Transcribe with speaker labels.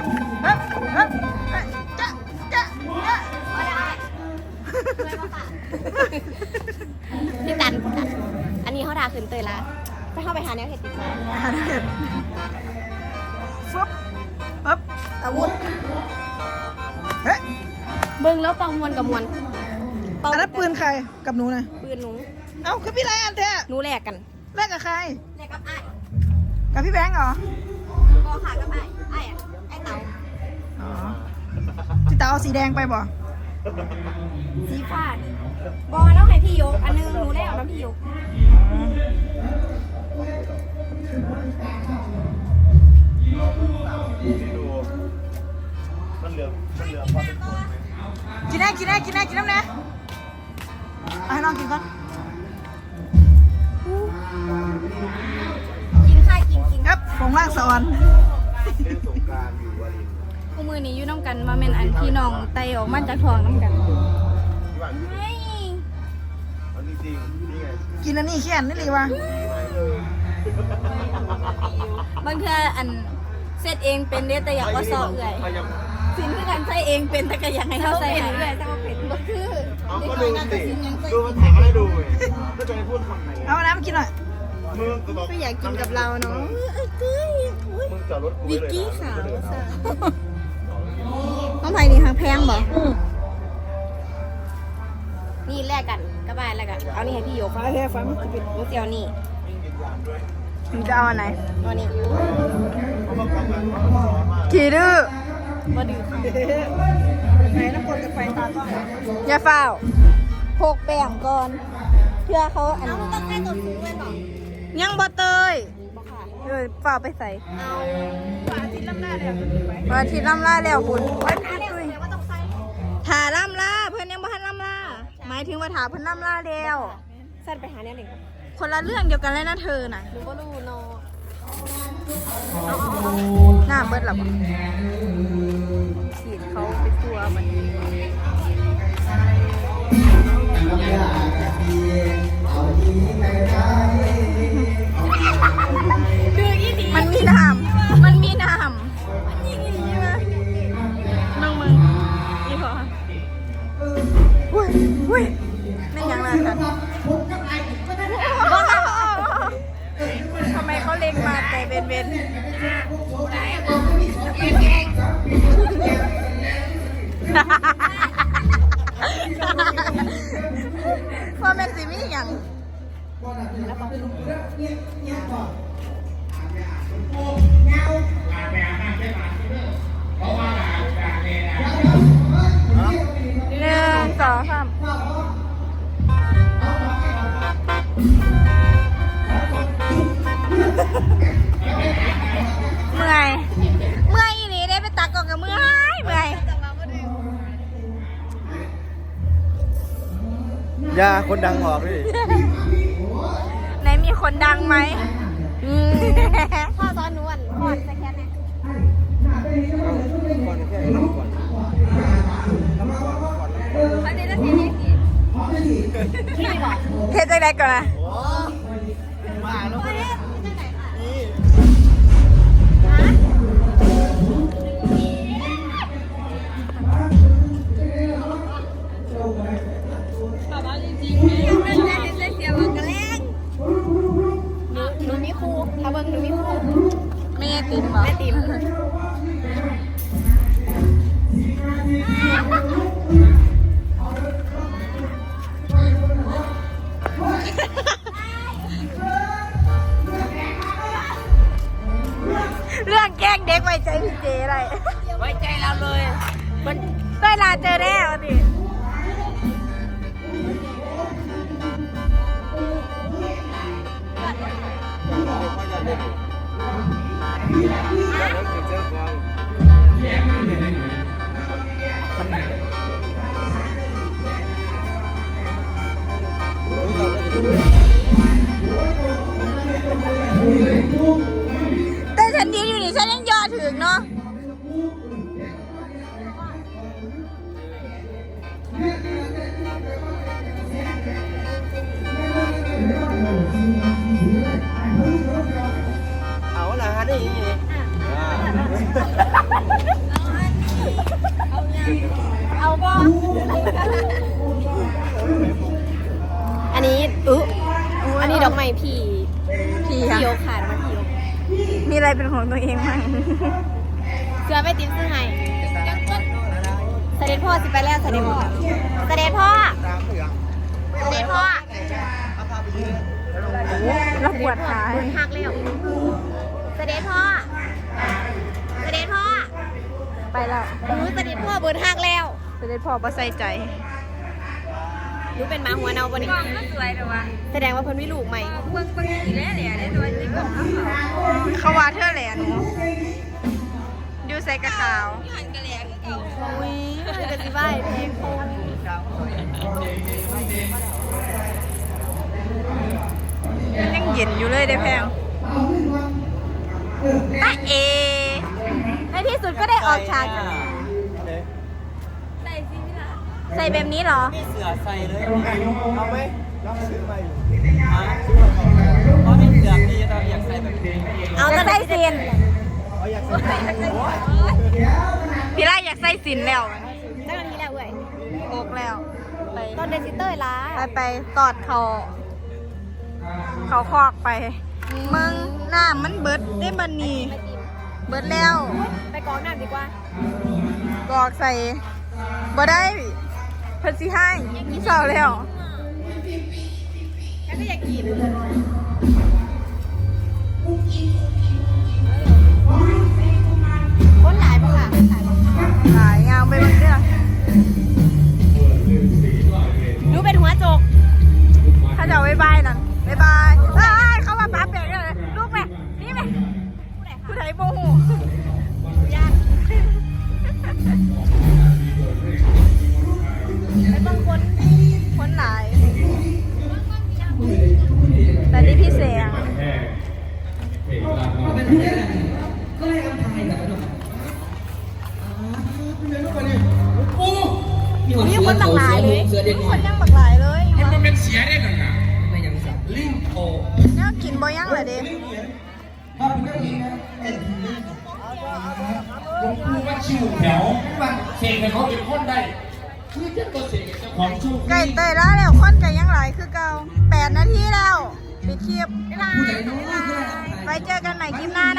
Speaker 1: เฮ้ยเฮ้ยจ๊ะจ๊ะจ๊ะ
Speaker 2: ก็ได้พี่ตันอันนี้เขาด่าขึ้นเตยละไปเข้าไปหาแนวเห็ดดีกว่า
Speaker 1: ฟึบปึ๊บ
Speaker 2: อาวุธ
Speaker 1: เฮ้ย
Speaker 2: เบิ้งแล้วเป่ามวนกับมวน
Speaker 1: อันนั้นปืนใครกับหนูนะ
Speaker 2: ปืนหนู
Speaker 1: เอ้าคือพี่ไรอันแท้
Speaker 2: หนูแลกกัน
Speaker 1: แลกกับใคร
Speaker 2: แลกกับไอ้
Speaker 1: กับพี่แบงค์เหรอ
Speaker 2: ก็ขากับไอ้ไอ้อะไอ้เต๋า
Speaker 1: อ๋อพี่ตาเอาสีแดงไปบ่
Speaker 2: สีฟ้านี่บอแล้วให้พี่ยกอันนึงหนูแลกเอาน้ำพี่ยก
Speaker 3: ดูมันเหลือพอเป็นคน
Speaker 1: กินแน่กินแน่กินแน่กินน้ำแน่เอาให้น้องกินก่อน
Speaker 2: กินข้าวกิน
Speaker 1: ครับผมร่างสอน
Speaker 3: เล่นสงกรานต์อยู่วาริน
Speaker 2: คู่มือนี้อยู่น้ำกันมาเป็นอันพี่น้องไตออกมาจากท้องน้ำกัน
Speaker 3: ที่บ้าน
Speaker 2: ไม่
Speaker 3: เอาจริงๆนี่ไง
Speaker 1: กินอันนี้แค่นี้เลยวะ
Speaker 2: บางเทื่ออันเซตเองเป็นเด้แต่อยากว่าซอเอื่อยสินคือการใช้เองเป็นแต่ก็อยากให้เขาใส่ให้เอื่อยแต่ว่าเป็นก็คือ
Speaker 3: เอาก็ดูสิดูมันถ่ายอะไรดูเลยก็จะให้พูดคำไหน
Speaker 1: เอาน้ำมากินหน่อย
Speaker 3: มึงก็บอก
Speaker 2: ก็อยากกินกับเราเนาะ
Speaker 3: มึงจอดรถกู
Speaker 2: วิก
Speaker 3: เลย
Speaker 2: กี้ขาวซะต้องไผ่นี่ทางแพงบ่นี่แลกกันก็ไปแลกกันเอานี่ให้พี่ยก
Speaker 1: ฟ้าแท้ฟ้ามันกิน
Speaker 2: หนูเตียวนี่
Speaker 1: มึงจะเอาอันไหน
Speaker 2: เอานี่
Speaker 1: ขี่ดื้อ
Speaker 2: บ่ดื้อค่ะ
Speaker 1: ไหนน้ำกรดกับไฟตาต้อง
Speaker 2: อย่าเฝ้าพกแป้งก่อนเพื่อเขาอันนี้ต้องใช้ตัวสูงเลยบ่
Speaker 1: ยังบ่เตย
Speaker 2: บ่ค่ะ
Speaker 1: ฝ่าไปใส่
Speaker 2: เอา
Speaker 1: วันอาทิตย์ล่ำลาแล้ว
Speaker 2: วันอาทิตย์ล่ำลาแล้วคุณถาล่ำลาเพื่อนยังบ่ทันล่ำลาหมายถึงว่าถาเพื่อนล่ำลาแล้วสั้นไปหาแนวหนึ่ง
Speaker 1: คนละเรื่องเดียวกันเลยนะเธอน่ะ
Speaker 2: หนูก็รู้เนาะ
Speaker 1: หน้าเบิดหรอ
Speaker 2: ฉีดเขาไปทั่วมันคืออีดี
Speaker 1: มันมีน้ำมันมีน้ำน้องมึงนี่พออุ้ยอุ้ยไม่ยังเลยค่ะทำไมเขาเล็งมาแต่เบนพ่อแม่สิมีอย่างหนึ่งสองสามเมื่อยอีนี้ได้ไปตักก่อนกับเมื่อย
Speaker 3: ยาคนดังออกดิ
Speaker 1: ไหนมีคนดังไหม
Speaker 2: พ่อซ้อนนวลพ่อจะแค่ไหน
Speaker 3: ก่อนแค่ก่อน
Speaker 2: อันนี้จะเสียยังสิที่บอก
Speaker 1: เทใจแรกก่อนนะ
Speaker 3: มาแล้ว
Speaker 2: พ่อเนี่ยที่ไหนค่ะ หนูมีครูถ้าเบิ่งหนูมีครู
Speaker 1: ไม่ได้ติมเหรอ
Speaker 2: แม่ติ๋ม
Speaker 1: เรื่องแกล้งเด็กไว้ใจพี่เจอะไร
Speaker 2: ไว้ใจเราเลย
Speaker 1: มันได้ลาเจอแน่เอาดิแต่ฉันยืนอยู่นี่ฉันยังยอดถึงเนาะ
Speaker 3: เอาละฮะนี่
Speaker 2: บ่อันนี้อันนี้ดอกไม้พี่
Speaker 1: พี่
Speaker 2: พี่
Speaker 1: ค่ะ
Speaker 2: ยกขาดมาพี่ยก
Speaker 1: มีอะไรเป็นของตัวเองมั้ง
Speaker 2: เสื้อไม่ติ้มซื้อให้เสด็จพ่อสิไปแล้วเสด็จพ่อเสด็จพ่อเสด็จพ่อ
Speaker 1: แล้วปวดขา
Speaker 2: บุญหักเร็วเสด็จพ่อเสด็จพ่อ
Speaker 1: ไปแล้ว
Speaker 2: เสด็จพ่อบุญหักแล้ว
Speaker 1: เสด็จพ่อบ่ใส่ใจ
Speaker 2: รู้เป็นหมาหัวเนาปะนี่
Speaker 1: กล่องก็สวยแต่ว่า
Speaker 2: แสดงว่าเพิ่นมีลูกใหม่
Speaker 1: เบิ่งสีแหล่ได้ด้วยในกล่องเขาว่าเธอแหล่หนูดูใส่กระขาว
Speaker 2: อุ้ยมันจะสิบ้าเพลงโคง
Speaker 1: ยังเย็นอยู่เลยได้แพงตะเอ
Speaker 2: ในที่สุดก็ได้ออกฉากใส่แบบนี้เหรอ
Speaker 3: มีเสือใส่เลยเอาไหมรับซื้อมาอยู่เพราะมีเสือพี่เราอยากใส่แบบนี้
Speaker 2: เอาจะได้เซียน
Speaker 3: เขาอยากใส่แบบนี้
Speaker 1: พี่ไล่อยากใส่สินแล้ว
Speaker 2: เจ้าหน้าที่แล้วเว้ย
Speaker 1: อกแล้ว ไป
Speaker 2: ตอนเดซิเตอร์ล้า
Speaker 1: ไปตอดเขาคอกไปมึงหน้ามันเบิดได้บันนี้เบิดแล้ว
Speaker 2: ไปกองน้ำดีกว่า
Speaker 1: กอกใส่บ่ได้เพิ่นสิให้เศร้าแล้ว
Speaker 2: แล้วก็อยากกินคนหลายปะค่ะ
Speaker 1: หลายงามไปเบางเรื่อง
Speaker 2: รู้เป็นหัวโจก
Speaker 1: ถ้าจะเอาบ๊ายบายนั่นบ๊ายบายเอ้ยเข้ามาปั๊บเบรกเลยลูกแม่นี่แม่ผู้ใดโมโห
Speaker 2: ยากไม่ต้องคน
Speaker 1: คนหลาย แต่นี่พี่เสียง
Speaker 2: มีคนหลากหลายเลย
Speaker 1: คนยังบักหลายเลย
Speaker 4: มันเป็นเสียได้หนังอ่ะไม่ยังสับลิงโอ
Speaker 1: เนี่ยกินบ่ยังเลยเด้
Speaker 4: หลวงปู่ว่าชิวแถวเสกให้เขาเป็นคนได้คือจะตัวเสกเจ้าของชู
Speaker 1: ไก่เตยแล้วแล้วคนไก่ยังหลายคือเก่า8 นาทีแล้วปิดคลิปไปเจอกันใหม่คลิปหน้า